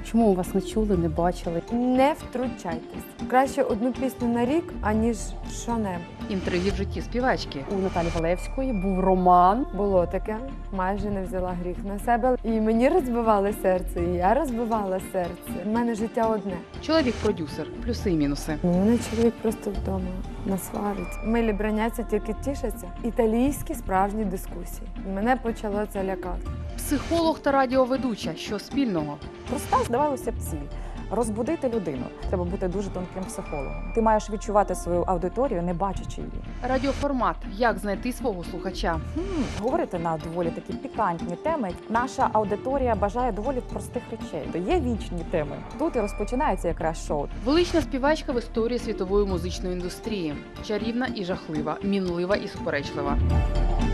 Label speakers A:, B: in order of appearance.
A: Чому вас не чули, не бачили?
B: Не втручайтесь. Краще одну пісню на рік, аніж що-небудь.
C: Інтриги в житті співачки.
A: У Наталі Валевської був роман.
B: Було таке, майже не взяла гріх на себе. І мені розбивали серце, і я розбивала серце. У мене життя одне.
C: Чоловік-продюсер. Плюси і мінуси.
B: Мене чоловік просто вдома насварить. Милі браняться, тільки тішаться. Італійські справжні дискусії. Мене почало це лякати.
C: Психолог та радіоведуча. Що спільного?
D: Проста, здавалося б, ціль. Розбудити людину. Треба бути дуже тонким психологом. Ти маєш відчувати свою аудиторію, не бачачи її.
C: Радіоформат. Як знайти свого слухача?
D: Говорити на доволі такі пікантні теми. Наша аудиторія бажає доволі простих речей. То є вічні теми. Тут і розпочинається якраз шоу.
C: Велична співачка в історії світової музичної індустрії. Чарівна і жахлива, мінлива і суперечлива.